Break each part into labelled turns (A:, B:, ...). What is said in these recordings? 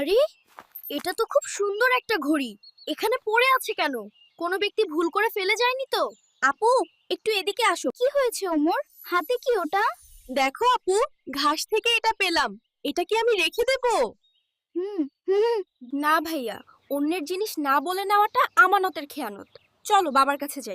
A: আরে, এটা তো খুব সুন্দর একটা ঘড়ি। এখানে পড়ে আছে কেন? কোনো ব্যক্তি ভুল করে ফেলে যায়নি তো? আপু, একটু এদিকে আসো। কি হয়েছে ওমর? হাতে কি ওটা?
B: দেখো আপু, ঘাস থেকে এটা পেলাম। এটা কি আমি রেখে দেব?
A: হুম হুম। না ভাইয়া, অন্যের জিনিস না বলে নেওয়াটা আমানতের খেয়ানত। চলো বাবার কাছে যাই।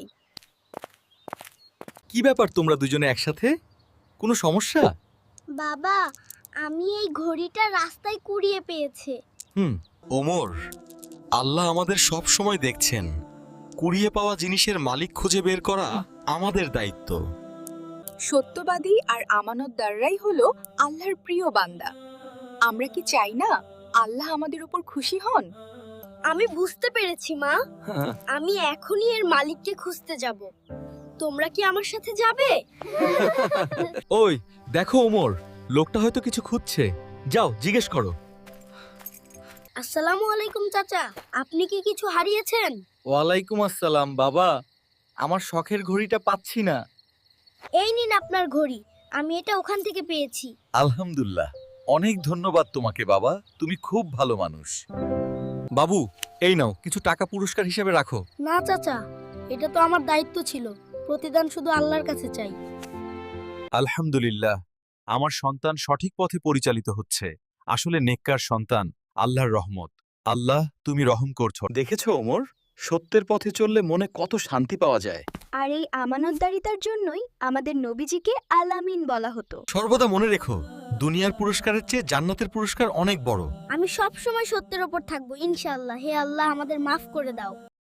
C: কি ব্যাপার তোমরা দুজনে একসাথে? কোনো সমস্যা?
A: বাবা, আমি এই ঘড়িটা রাস্তায় কুড়িয়ে পেয়েছে।
D: ওমর, আল্লাহ আমাদের সব সময় দেখছেন। কুড়িয়ে পাওয়া জিনিসের মালিক খুঁজে বের করা আমাদের দায়িত্ব।
B: সত্যবাদী আর আমানতদাররাই হলো আল্লাহর প্রিয় বান্দা। আমরা কি চাই না আল্লাহ আমাদের উপর খুশি হন?
A: আমি বুঝতে পেরেছি মা। আমি এখনই এর মালিককে খুঁজতে যাব। তোমরা কি আমার সাথে যাবে?
C: ওই দেখো ওমর, লোকটা হয়তো কিছু খুঁজছে। যাও জিজ্ঞেস করো।
A: আসসালামু আলাইকুম চাচা, আপনি কি কিছু হারিয়েছেন?
C: ওয়ালাইকুম আসসালাম বাবা, আমার শখের ঘড়িটা পাচ্ছি না।
A: এই নিন আপনার ঘড়ি, আমি এটা ওখান থেকে পেয়েছি।
C: আলহামদুলিল্লাহ, অনেক ধন্যবাদ তোমাকে বাবা, তুমি খুব ভালো মানুষ। বাবু, এই নাও কিছু টাকা পুরস্কার হিসেবে রাখো।
A: না চাচা, এটা তো আমার দায়িত্ব ছিল। প্রতিদান শুধু আল্লাহর কাছে চাই।
C: আলহামদুলিল্লাহ, আমার সন্তান সঠিক পথে পরিচালিত হচ্ছে। আসলে নেককার সন্তান আল্লাহর রহমত। আল্লাহ, তুমি রহম করছো। দেখেছো ওমর, সত্যের পথে চললে মনে কত শান্তি পাওয়া যায়।
A: আর এই আমানতদারিতার জন্যই আমাদের নবীজিকে আলামিন বলা হতো।
C: সর্বদা মনে রেখো, দুনিয়ার পুরস্কারের চেয়ে জান্নাতের পুরস্কার অনেক বড়।
A: আমি সব সময় সত্যের ওপর থাকবো ইনশাআল্লাহ। হে আল্লাহ, আমাদের মাফ করে দাও।